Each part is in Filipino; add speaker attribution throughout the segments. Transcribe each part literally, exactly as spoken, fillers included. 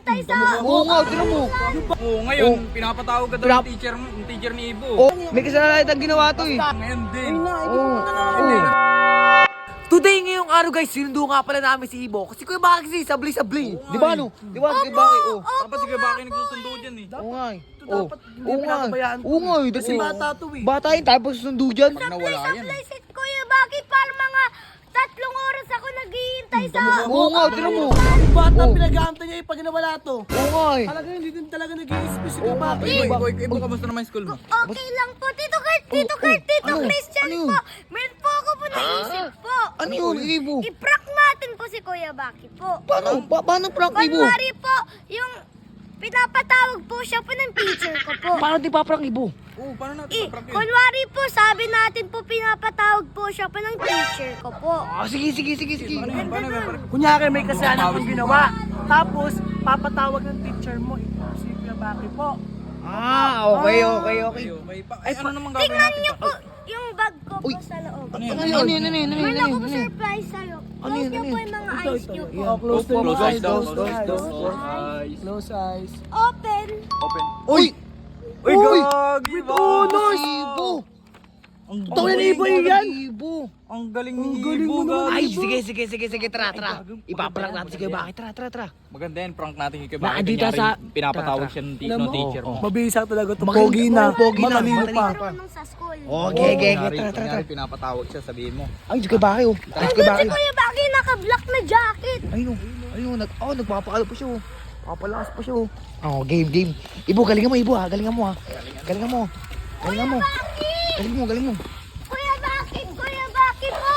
Speaker 1: naghihintay sa...
Speaker 2: Oo nga, tinan mo.
Speaker 3: Oo, ngayon, pinapatawag ka daw
Speaker 2: Pinap-
Speaker 3: ng teacher, ng teacher ni Ibo.
Speaker 2: Oh, may kasalanan ang ginawa to eh.
Speaker 3: Ngayon din.
Speaker 2: Oo.
Speaker 4: Today ngayong araw guys, sinundo nga pala namin si Ibo. Kasi Kuya Baki kasi sabli-sabli.
Speaker 2: Di ba ano? Di ba? Di ba? Oh.
Speaker 3: Dapat si Kuya Baki nagsusundo dyan eh.
Speaker 2: Oo nga eh.
Speaker 4: Ito
Speaker 2: Oh.
Speaker 4: dapat hindi
Speaker 2: Oo nga.
Speaker 4: pinakabayaan to.
Speaker 2: Oo nga eh.
Speaker 4: Kasi bata to eh.
Speaker 2: Bata yun, tapos sundo dyan.
Speaker 3: Pag nawala yan.
Speaker 1: Sablay si Kuya Baki para mga tatlong oras ako naghihintay sa...
Speaker 2: Oo nga, tinan mo.
Speaker 4: Yung bata
Speaker 2: Oh.
Speaker 4: pinag-aantay niya eh pag nawala to.
Speaker 2: Oo nga eh.
Speaker 4: Talaga hindi din talaga nag-i-isip si Kuya Baki.
Speaker 3: Boy, boy, Ibo, kamusta naman yung school mo?
Speaker 1: Okay lang po, Tito Kurt, Tito
Speaker 2: Oh,
Speaker 1: Kurt,
Speaker 2: oh.
Speaker 1: Tito
Speaker 2: Ano?
Speaker 1: Christian
Speaker 2: Ano yun?
Speaker 1: po. Meron po ako po naisip po.
Speaker 2: Ano yun, Ibo?
Speaker 1: I-prank natin po si Kuya Baki po.
Speaker 2: Paano? Pa paano prank, Ibo?
Speaker 1: Kunwari po, yung pinapatawag po siya po ng teacher ko po.
Speaker 2: Paano di paprank, Ibo?
Speaker 3: Oo, paano natin
Speaker 1: I,
Speaker 3: paprank yun?
Speaker 1: kunwari po, sabi natin po pinapatawag po siya po ng teacher ko po.
Speaker 2: Ah, sige, sige, sige, sige.
Speaker 3: Paano yun? Paano yun?
Speaker 4: Kunyari may kasalanan kong ginawa. Tapos, papatawag ng teacher mo. Ito si Kuya Baki po.
Speaker 2: Ah, okay, okay, okay.
Speaker 3: Okay, okay. Pa, ay, ano naman gagawin
Speaker 1: Tingnan
Speaker 3: natin?
Speaker 1: niyo po yung bag ko po
Speaker 2: Uy.
Speaker 1: sa loob.
Speaker 3: Ano yun?
Speaker 2: Ano yun, ano yun, ano yun, ano yun,
Speaker 1: Meron
Speaker 2: ano
Speaker 1: ako
Speaker 2: yun,
Speaker 1: po
Speaker 2: ano yun?
Speaker 1: surprise sa'yo.
Speaker 2: Ano
Speaker 1: Close
Speaker 2: yun,
Speaker 1: niyo
Speaker 2: ano
Speaker 1: po
Speaker 2: yun?
Speaker 1: yung mga eyes niyo po.
Speaker 4: Oh, close the
Speaker 3: Close eyes daw,
Speaker 4: close
Speaker 3: close eyes daw.
Speaker 4: eyes.
Speaker 3: Close eyes.
Speaker 4: Close eyes.
Speaker 1: Open.
Speaker 3: Open.
Speaker 2: Uy!
Speaker 3: Uy,
Speaker 2: Uy!
Speaker 3: gagi!
Speaker 4: Unos!
Speaker 2: Ibo!
Speaker 3: Ang
Speaker 4: Ito yung
Speaker 3: galing-
Speaker 4: Ibo yan!
Speaker 2: Ibo!
Speaker 3: Ang galing ni
Speaker 4: Ang galing
Speaker 3: Ibo,
Speaker 4: mo naman.
Speaker 3: gagi.
Speaker 2: Ay, sige, sige, sige, sige, tara, tara.
Speaker 3: Ay,
Speaker 2: Ipaprank natin si Kuya
Speaker 3: maganda
Speaker 2: Baki, tara, tara, tara.
Speaker 3: Maganda yan, prank natin kay Kuya
Speaker 2: Baka
Speaker 3: Baki.
Speaker 2: dito
Speaker 3: Kunyari,
Speaker 2: sa-
Speaker 3: pinapatawag
Speaker 2: Tara,
Speaker 3: siya ng, ti-
Speaker 4: Alam
Speaker 3: ng
Speaker 4: mo?
Speaker 3: teacher mo.
Speaker 4: Mabisa talaga to.
Speaker 2: Magaling-
Speaker 4: Pogi na.
Speaker 2: pogi na,
Speaker 4: Matalino
Speaker 2: matalino
Speaker 4: pa.
Speaker 2: pa.
Speaker 1: Marunong sa school.
Speaker 2: Okay, okay,
Speaker 3: Kunyari,
Speaker 2: tara, tara,
Speaker 3: kunyari,
Speaker 2: tara.
Speaker 3: pinapatawag siya, sabihin mo.
Speaker 2: Ay, si Kuya Baki, oh. Ay, si Kuya
Speaker 1: Andun si
Speaker 2: Baki.
Speaker 1: Kuya Baki, naka-black na jacket.
Speaker 2: Ayun, oh. Ayun, nag, oh, nagpapakalo pa siya, oh. Papalakas pa siya, oh. Oh, game, game. Ibo, galingan mo, Ibo, ha. Galingan mo, ha. Galingan mo. Galingan mo.
Speaker 1: Baki!
Speaker 2: Galing mo, galing mo.
Speaker 1: Kuya Baki, Kuya Baki po!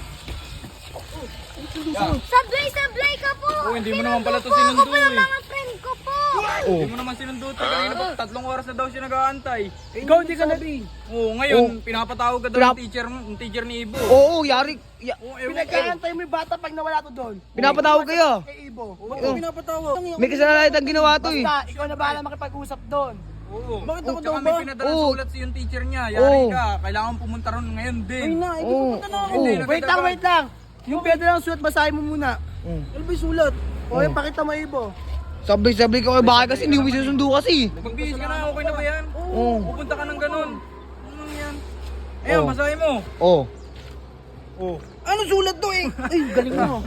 Speaker 1: Sablay-sablay ka po!
Speaker 3: Oh, hindi mo naman pala to
Speaker 1: Sinundo po
Speaker 3: sinundo,
Speaker 1: ako po ng
Speaker 3: eh.
Speaker 1: mga friend ko po!
Speaker 2: Oh.
Speaker 3: Hindi mo naman sinundo. Kanina pa, tatlong oras na daw siya nag-aantay.
Speaker 4: Ikaw hindi ka nabi.
Speaker 3: Oo, ngayon,
Speaker 2: Oh.
Speaker 3: pinapatawag ka daw
Speaker 2: Pinap-
Speaker 3: ng teacher, mo- ng teacher ni Ibo.
Speaker 2: Oo, yari. Ya,
Speaker 3: Oo, ewan ko.
Speaker 4: Pinag-aantay mo yung bata pag nawala to doon.
Speaker 2: pinapatawag kayo.
Speaker 4: Kay Ibo.
Speaker 3: Oo, pinapatawag.
Speaker 2: May kasalanan ang ginawa to, eh.
Speaker 4: Basta, ikaw na bahala makipag-usap doon.
Speaker 3: Oo.
Speaker 4: Bakit ako
Speaker 3: Tsaka
Speaker 4: daw
Speaker 3: may
Speaker 4: ba?
Speaker 3: pinadala
Speaker 2: Oo.
Speaker 3: sulat sa yung teacher niya. Yari
Speaker 2: Oo.
Speaker 3: ka, kailangan pumunta ron ngayon din.
Speaker 4: Ay na, hindi
Speaker 2: Oo.
Speaker 4: pupunta na ako.
Speaker 2: Oo.
Speaker 4: Wait lang, wait lang. Yung pwede lang sulat, basahin mo muna.
Speaker 2: Mm.
Speaker 4: Ano ba yung sulat? O, yung pakita mo, Ibo.
Speaker 2: Sabay-sabay ka Kuya Baki kasi hindi mo susundo kasi.
Speaker 3: Magbihis ka na, okay na ba yan?
Speaker 2: Oo.
Speaker 3: Pupunta ka ng ganun. Ano yan? Ayun,
Speaker 2: Oo.
Speaker 3: basahin mo.
Speaker 2: Oh.
Speaker 3: Oo.
Speaker 4: Ano sulat to eh? Ay, galing mo.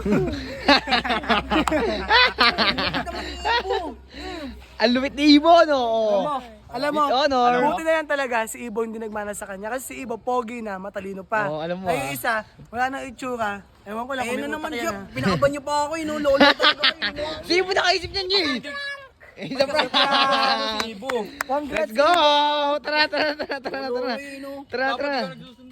Speaker 2: Ang lumit ni Ibo, no? Oh.
Speaker 4: Alam mo,
Speaker 2: With honor.
Speaker 4: buti na yan talaga si Ibo hindi nagmana sa kanya. Kasi si Ibo, pogi na, matalino pa.
Speaker 2: Oo, alam mo,
Speaker 4: Ay,
Speaker 2: ah.
Speaker 4: yung isa, wala nang itsura. Ewan ko lang
Speaker 3: Ayun
Speaker 4: kung
Speaker 3: na
Speaker 4: may
Speaker 3: naman
Speaker 4: utak
Speaker 3: siya.
Speaker 4: yan, ah.
Speaker 3: Pinakaban niyo pa ako, inulolo talaga kayo.
Speaker 2: Sino mo nakaisip niyan, Jay? Eh, sa prank.
Speaker 3: Si Ibo.
Speaker 4: Congrats,
Speaker 2: Let's go! Tara, tara, tara, tara, tara.
Speaker 3: Ayun, oh.
Speaker 2: Tara,
Speaker 3: Dapat
Speaker 2: tara.
Speaker 3: ka nagsusundo